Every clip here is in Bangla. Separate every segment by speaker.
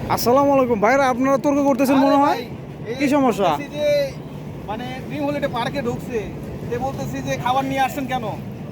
Speaker 1: আসসালামু আলাইকুম ভাইরা, আপনারা তর্ক করতেছেন মনে হয়। কি সমস্যা?
Speaker 2: যে মানে ড্রিম হলিডে পার্কে ঢুকছে, সে বলতেছি যে খাবার নিয়ে আসছেন কেন,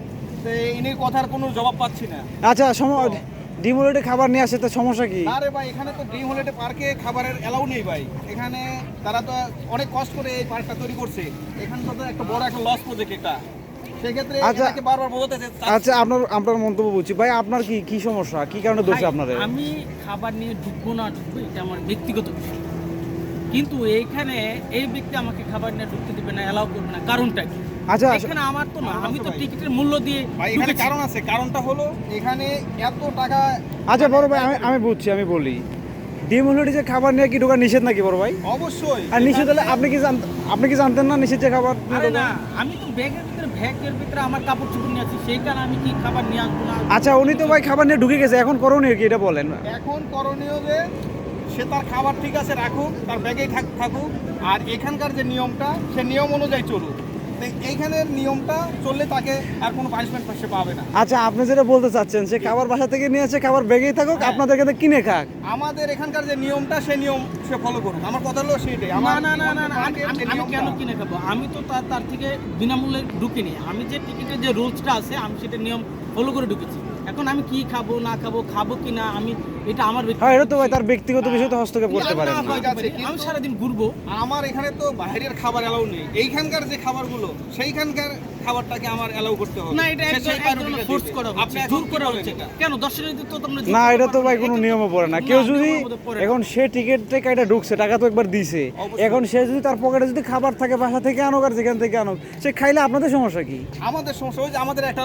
Speaker 2: তো ইনি কথার কোনো জবাব পাচ্ছি না।
Speaker 1: আচ্ছা, ডিমোলেটে খাবার নিয়ে আসে, তো সমস্যা কি?
Speaker 2: আরে ভাই, এখানে তো ড্রিম হলিডে পার্কে খাবারের এলাউ নেই ভাই। এখানে তারা তো অনেক কষ্ট করে এই পার্কটা তৈরি করছে। এখানে তো একটা বড় একটা লস প্রজেক্ট এটা, সেক্ষেত্রে এটাকে বারবার বোঝাতে
Speaker 1: আচ্ছা, আপনার মন্তব্য বুঝছি ভাই। আপনার কি সমস্যা, কি কারণে দোষে আপনাদের?
Speaker 3: আমি খাবার নিয়ে ঢুকবো না ঢুকবো এটা আমার ব্যক্তিগত বিষয়, কিন্তু এইখানে এই ব্যক্তি আমাকে খাবার নিয়ে ঢুকতে দিবে না, এলাও করবে না, কারণটা কি?
Speaker 1: আচ্ছা,
Speaker 3: এখানে আমার তো না, আমি তো টিকিটের মূল্য দিয়ে
Speaker 2: ভাই, এখানে কারণ আছে। কারণটা হলো এখানে এত টাকা।
Speaker 1: আচ্ছা বড় ভাই, আমি বুঝছি, আমি বলি ডিমোলেটে যে খাবার নিয়ে কি ঢোকা নিষেধ নাকি বড় ভাই?
Speaker 2: অবশ্যই।
Speaker 1: আর নিষেধ হলে আপনি কি জানতেন না নিষেধ যে খাবার নিয়ে
Speaker 3: আরে
Speaker 1: ঢোকা?
Speaker 3: না, আমি তো ব্যাগের ভিতরে আমার কাপড় চোপড় নিয়ে আছি, সেই কারণে আমি কি খাবার নিয়ে আসবো না?
Speaker 1: আচ্ছা, উনি তো ভাই খাবার নিয়ে ঢুকে গেছে, এখন করণীয় কি এটা বলেন?
Speaker 2: এখন করণীয় যে সে তার খাবার ঠিক আছে রাখুক, তার ব্যাগেই থাকুক, আর এখানকার যে নিয়মটা সে নিয়ম অনুযায়ী চলুক। তো এইখানের নিয়মটা চললে তাকে আর কোনো পানিশমেন্ট সে পাবে না।
Speaker 1: আচ্ছা, আপনি যেটা বলতে চাচ্ছেন সে খাবার বাসা থেকে নিয়ে এসে খাবার ব্যাগেই থাকুক,
Speaker 2: হ্যাঁ।
Speaker 1: আপনাদের কাছে কিনে খাক।
Speaker 2: আমাদের এখানকার যে নিয়মটা সে নিয়ম সে ফলো করুক। আমার কথা হলো সেটাই।
Speaker 3: না, আমি কেন কিনে খাবো? আমি তো তার থেকে বিনামূল্যে ঢুকিনি। আমি যে টিকিটের যে রুলসটা আছে আমি সেটা নিয়ম ফলো করে ঢুকেছি। এখন আমি কি খাবো না খাবো কি না, আমি এটা আমার
Speaker 1: হ্যাঁ, এটা তো ভাই তার ব্যক্তিগত বিষয়, তো হস্তক্ষেপ করতে পারেন না।
Speaker 3: আমি সারাদিন ঘুরবো।
Speaker 2: আমার এখানে তো বাইরের খাবার এলাও নেই। এইখানকার যে খাবারগুলো সেইখানকার খাবারটাকে আমার এলাও করতে হবে
Speaker 3: না, এটা ফোর্স করা হচ্ছে, জোর করা হচ্ছে। কেন দর্শনার্থী তো তোমরা
Speaker 1: না, এটা তো ভাই কোনো নিয়মে পড়ে না। কেউ যদি এখন সে টিকিটটা কাইটা ঢুকছে, টাকা তো একবার দিছে, এখন সে যদি তার পকেটে যদি খাবার থাকে বাসা থেকে আনুক আর যেখান থেকে আনুক, সে খাইলে আপনাদের সমস্যা কি?
Speaker 2: আমাদের সমস্যা ওই যে আমাদের একটা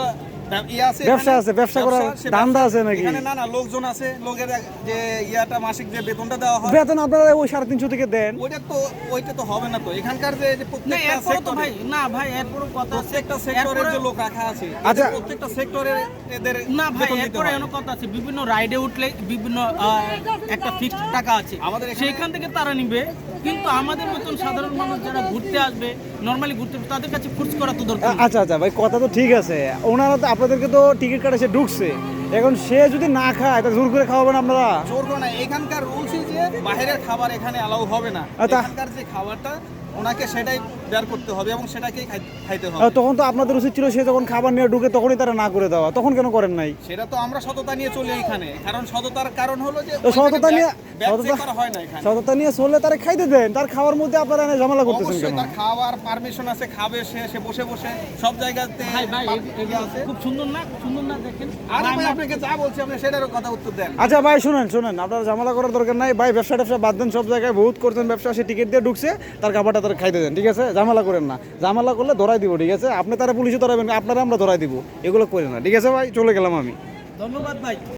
Speaker 1: ব্যবসা আছে, ব্যবসা করার ধান্দা আছে নাকি?
Speaker 2: এখানে না লোকজন আছে, লোকের যে মাসিক যে বেতনটা দেওয়া হয়,
Speaker 1: বেতন আপনারা ওই 350 থেকে দেন।
Speaker 2: ওইটা তো হবে না। তো এখানকার যে প্রত্যেকটা সেক্টরে
Speaker 3: ভাই, না ভাই, এরপরও কথা আছে,
Speaker 2: প্রত্যেকটা সেক্টরের যে লোক রাখা আছে,
Speaker 1: আচ্ছা,
Speaker 2: প্রত্যেকটা সেক্টরে এদের
Speaker 3: না ভাই,
Speaker 2: বেতন দিতে
Speaker 3: এরপরে
Speaker 2: হয়।
Speaker 3: এমন কথা আছে, বিভিন্ন রাইডে উঠলে বিভিন্ন একটা ফিক্সড টাকা আছে,
Speaker 2: আমাদের এখানে-
Speaker 3: সেইখান থেকে তারা নিবে। কিন্তু আমাদের মতন সাধারণ মানুষ যারা ঘুরতে আসবে, নরমালি ঘুরতে আসবে, তাদের কাছে ফোর্স করা তো দরকার নেই।
Speaker 1: আচ্ছা ভাই, কথা তো ঠিক আছে। ওনারা তো আপনাদেরকে তো টিকিট কাটে সে ঢুকছে, এখন সে যদি না খায় তা জোর করে খাওয়াবেন আপনারা?
Speaker 2: জোর করে না। এখানকার রুলসই যে বাইরের খাবার এখানে অ্যালাউ হবে না। এখানকার যে খাবারটা ওনাকে সেটাই বের করতে হবে এবং সেটাকেই খাইতে হবে।
Speaker 1: তখন তো আপনাদের উচিত ছিল সে যখন খাবার নিয়ে ঢুকে তখনই তারা না করে দেওয়া, তখন কেন করেন নাই?
Speaker 2: সেটা তো আমরা সততা নিয়ে চলি এখানে, কারণ সততার কারণ হলো যে
Speaker 1: সততা নিয়ে
Speaker 2: করা হয় না এখানে।
Speaker 1: সততা নিয়ে চললে তারা খাইতে দেন, তার খাওয়ার মধ্যে আপনারা এনে ঝামেলা করতেছেন
Speaker 2: অবশ্যই
Speaker 1: কেন?
Speaker 2: তার খাওয়ার পারমিশন আছে, খাবে সে বসে বসে সব জায়গাতে।
Speaker 3: ভাই, খুব সুন্দর না দেখেন?
Speaker 2: আরে ভাই, আপনাকে যা বলছি আপনি সেটারও কথা উত্তর দেন।
Speaker 1: আচ্ছা ভাই, শুনেন, আপনারা ঝামেলা করার দরকার নাই ভাই। ব্যবসা বাদ দেন, সব জায়গায় বহুত করছেন ব্যবসা। সে টিকিট দিয়ে ঢুকছে, তার খাবারটা তারা খাইতে দেন, ঠিক আছে? ঝামেলা করেন না। ঝামেলা করলে ধরাই দিব, ঠিক আছে? আপনি তারা পুলিশে ধরাবেন, আপনারা আমরা ধরাই দিব। এগুলো করেন না, ঠিক আছে ভাই? চলে গেলাম আমি।
Speaker 3: ধন্যবাদ ভাই।